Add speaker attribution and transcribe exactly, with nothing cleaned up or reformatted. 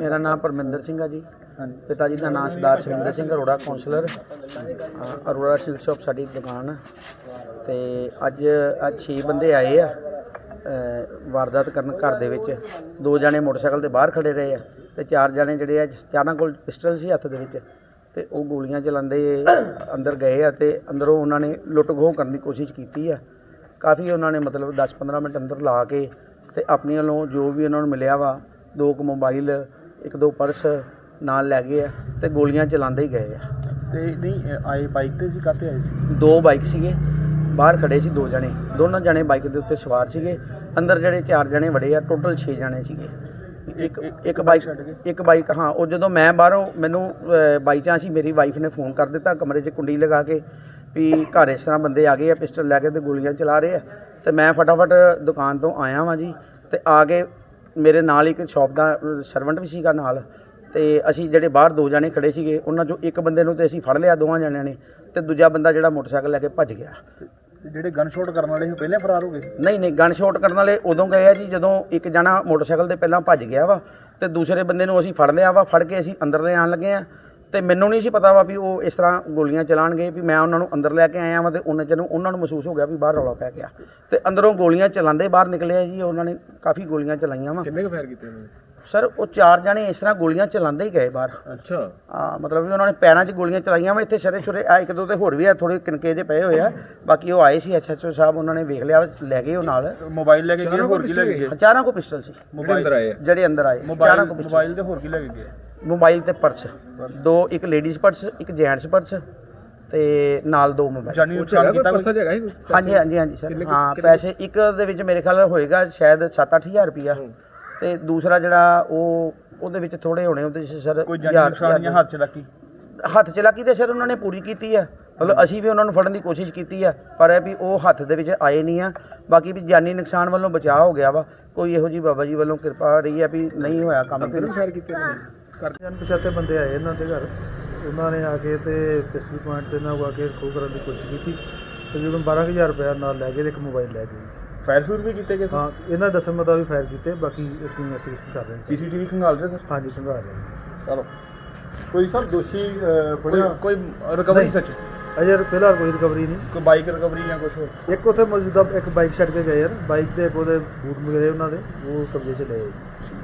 Speaker 1: मेरा नाम परमिंदर सिंह है जी। पिता जी का नाम Sardar Sukhwinder Singh Arora councillor Arora silk shop sari दुकान। तो अज अज छे बंदे आए आ वारदात करन घर दे विच। दो जने मोटरसाइकिल ते बाहर खड़े रहे आ ते चार जने जिहड़े आ चारां कोल पिस्टल सी हत्थ दे विच ते ओह गोलियां चलांदे अंदर गए आ ते अंदरों उन्होंने लुੱਟ ਖੋਹ करने की कोशिश की है। काफ़ी उन्होंने मतलब दस पंद्रह मिनट अंदर ला के ते अपने वालों जो भी उन्होंने मिलिया वा दो क मोबाइल एक दो पर्स नाल लै गए ते गोलियां चलाते ही गए
Speaker 2: ते नहीं आए बाइक ते सी काते आए सी
Speaker 1: दो बाइक सीगे बाहर खड़े सी दो जने दोनों जने बाइक के उत्ते सवार सीगे अंदर जिहड़े चार जने वड़े आ टोटल छे जने सीगे। एक एक बाइक एक बाइक हाँ वो जो मैं बाहरों मैनू बाई चांस ही मेरी वाइफ ने फोन कर दिता कमरे च कुंडी लगा के भी घर इस तरह बंदे आ गए पिस्टल लैके तो गोलियां चला रहे हैं। तो मैं फटाफट दुकान तो आया वा जी तो आ के मेरे नाल एक शॉप का सर्वेंट भी सीगा नाल ते असीं जिहड़े बाहर दो जने खड़े सीगे उन्हां चों एक बंदे नूं ते असीं फड़ लिया दोवां जणिਆਂ ने ते दूजा बंदा जिहड़ा मोटरसाइकिल लैके भज गया।
Speaker 2: ਜਿਹੜੇ ਗਨ ਸ਼ਾਟ ਕਰਨ ਵਾਲੇ ਸੀ ਪਹਿਲੇ ਫਰਾਰ ਹੋ ਗਏ?
Speaker 1: नहीं नहीं गन शॉट करने वाले उदों गए आ जी जदों एक जना मोटरसाइकिल ते पहलां भज गया वा ते दूसरे बंदे नूं असीं फड़ लिया वा फड़ के असीं अंदर ले आण लगे आ ਤੇ ਮੈਨੂੰ ਨਹੀਂ ਸੀ ਪਤਾ ਵਾ ਵੀ ਉਹ ਇਸ ਤਰ੍ਹਾਂ ਗੋਲੀਆਂ ਚਲਾਣਗੇ ਵੀ ਮੈਂ ਉਹਨਾਂ ਨੂੰ ਅੰਦਰ ਲੈ ਕੇ ਆਇਆ ਵਾਂ ਤੇ ਉਹਨਾਂ ਚ ਨੂੰ ਉਹਨਾਂ ਨੂੰ ਮਹਿਸੂਸ ਹੋ ਗਿਆ ਵੀ ਬਾਹਰ ਰੌਲਾ ਪੈ ਗਿਆ ਤੇ ਅੰਦਰੋਂ ਗੋਲੀਆਂ ਚਲਾਉਂਦੇ ਬਾਹਰ ਨਿਕਲੇ ਜੀ। ਉਹਨਾਂ ਨੇ ਕਾਫੀ ਗੋਲੀਆਂ ਚਲਾਈਆਂ ਵਾ।
Speaker 2: ਕਿੰਨੇ ਕੁ ਫਾਇਰ ਕੀਤੇ ਉਹਨਾਂ ਨੇ?
Speaker 1: ਸਰ ਉਹ ਚਾਰ ਜਣੇ ਇਸ ਤਰ੍ਹਾਂ ਗੋਲੀਆਂ ਚਲਾਉਂਦੇ ਹੀ ਗਏ ਬਾਹਰ।
Speaker 2: ਅੱਛਾ
Speaker 1: ਹਾਂ ਮਤਲਬ ਵੀ ਉਹਨਾਂ ਨੇ ਪੈਰਾਂ 'ਚ ਗੋਲੀਆਂ ਚਲਾਈਆਂ ਵਾ। ਇੱਥੇ ਸ਼ਰੇ ਛੁਰੇ ਆ ਇੱਕ ਦੋ ਤੇ ਹੋਰ ਵੀ ਆ ਥੋੜੇ ਕਿਨਕੇ ਜਿਹੇ ਪਏ ਹੋਏ ਆ ਬਾਕੀ ਉਹ ਆਏ ਸੀ ਐਸ ਐਚ ਓ ਸਾਹਿਬ ਉਹਨਾਂ ਨੇ ਵੇਖ ਲਿਆ ਲੈ ਗਏ ਉਹ ਨਾਲ
Speaker 2: ਮੋਬਾਈਲ ਲੈ ਕੇ ਗਏ ਹੋਰ ਕੀ ਲੈ ਕੇ ਗਏ?
Speaker 1: ਚਾਰਾਂ ਕੋ ਪਿਸਟਲ ਸੀ
Speaker 2: ਅੰਦਰ ਆਏ
Speaker 1: ਜਿਹੜੇ ਅੰਦਰ ਆਏ
Speaker 2: ਚਾਰਾਂ ਕੋ ਮੋਬਾਈਲ ਤੇ ਹੋਰ ਕੀ ਲੈ ਕੇ ਗਏ?
Speaker 1: मोबाइल ते पर्स दो एक लेडीज़ पर्स एक जेंट्स पर्स ते नाल दो मोबाइल।
Speaker 2: जानी नुकसान कीता पर्स हैगा ही?
Speaker 1: हाँ जी हाँ जी हाँ जी सर हाँ पैसे एक दे विच मेरे ख्याल होएगा शायद सत्त अठ हज़ार रुपया ते दूसरा जिहड़ा ਉਹ ਉਹਦੇ ਵਿੱਚ ਥੋੜੇ ਹੋਣੇ ਉਹਦੇ ਵਿੱਚ ਸਰ
Speaker 2: ਕੋਈ ਜਾਨੀ ਨੁਕਸਾਨ ਜਾਂ ਹੱਥ ਚਲਾਕੀ?
Speaker 1: ਹੱਥ ਚਲਾਕੀ ਤੇ ਸਰ ਉਹਨਾਂ ਨੇ ਪੂਰੀ ਕੀਤੀ ਆ ਮਤਲਬ ਅਸੀਂ ਵੀ ਉਹਨਾਂ ਨੂੰ ਫੜਨ ਦੀ ਕੋਸ਼ਿਸ਼ ਕੀਤੀ ਆ ਪਰ ਇਹ ਵੀ ਉਹ ਹੱਥ ਦੇ ਵਿੱਚ ਆਏ ਨਹੀਂ ਆ। ਬਾਕੀ ਵੀ ਜਾਨੀ ਨੁਕਸਾਨ ਵੱਲੋਂ ਬਚਾਅ ਹੋ ਗਿਆ ਵਾ ਕੋਈ ਇਹੋ ਜੀ ਬਾਬਾ ਜੀ ਵੱਲੋਂ ਕਿਰਪਾ ਰਹੀ ਆ ਵੀ ਨਹੀਂ ਹੋਇਆ ਕੰਮ।
Speaker 2: ਕਿਹਨੂੰ ਫਾਇਰ ਕੀਤੇ ਨੇ?
Speaker 3: ਕਰਦੇ ਅਣਪਛਾਤੇ ਬੰਦੇ ਆਏ ਇਹਨਾਂ ਦੇ ਘਰ ਉਹਨਾਂ ਨੇ ਆ ਕੇ ਤੇ ਪਿਸਟਲ ਪੁਆਇੰਟ ਤੇ ਨਾਲ ਆ ਕੇ ਖੋਹ ਕਰਨ ਦੀ ਕੋਸ਼ਿਸ਼ ਕੀਤੀ ਤਕਰੀਬਨ ਬਾਰਾਂ ਕੁ ਹਜ਼ਾਰ ਰੁਪਇਆ ਨਾਲ ਲੈ ਗਏ ਇੱਕ ਮੋਬਾਈਲ ਲੈ ਗਏ।
Speaker 2: ਫਾਇਰ ਸ਼ੂਟ ਵੀ ਕੀਤੇ ਗਏ ਸੀ?
Speaker 3: ਹਾਂ ਇਹਨਾਂ ਦੱਸਣ ਮੁਤਾਬਿਕ ਫਾਇਰ ਕੀਤੇ ਬਾਕੀ ਅਸੀਂ ਇਨਵੈਸਟੀਗੇਸ਼ਨ ਕਰ ਰਹੇ ਹਾਂ।
Speaker 2: ਸੀਸੀਟੀਵੀ ਖੰਗਾਲ ਰਹੇ ਸਰ?
Speaker 3: ਹਾਂਜੀ ਖੰਗਾਲ ਰਹੇ ਹਾਂ।
Speaker 2: ਚਲੋ
Speaker 3: ਕੋਈ ਸਰ ਦੋਸ਼ੀ ਫੜਿਆ
Speaker 2: ਕੋਈ ਰਿਕਵਰੀ ਸੱਚ
Speaker 3: ਅਜੇ ਫਿਲਹਾਲ ਕੋਈ ਰਿਕਵਰੀ ਨਹੀਂ।
Speaker 2: ਕੋਈ ਬਾਈਕ ਰਿਕਵਰੀ ਜਾਂ ਕੁਝ ਹੋਰ?
Speaker 3: ਇੱਕ ਉੱਥੇ ਮੌਜੂਦਾ ਇੱਕ ਬਾਈਕ ਛੱਡ ਕੇ ਗਏ ਯਾਰ ਬਾਈਕ ਦੇ ਉਹਦੇ ਬੂਟ ਵਗੈਰੇ ਉਹਨਾਂ ਦੇ ਉਹ ਕਬਜ਼ੇ 'ਚ ਲਏ।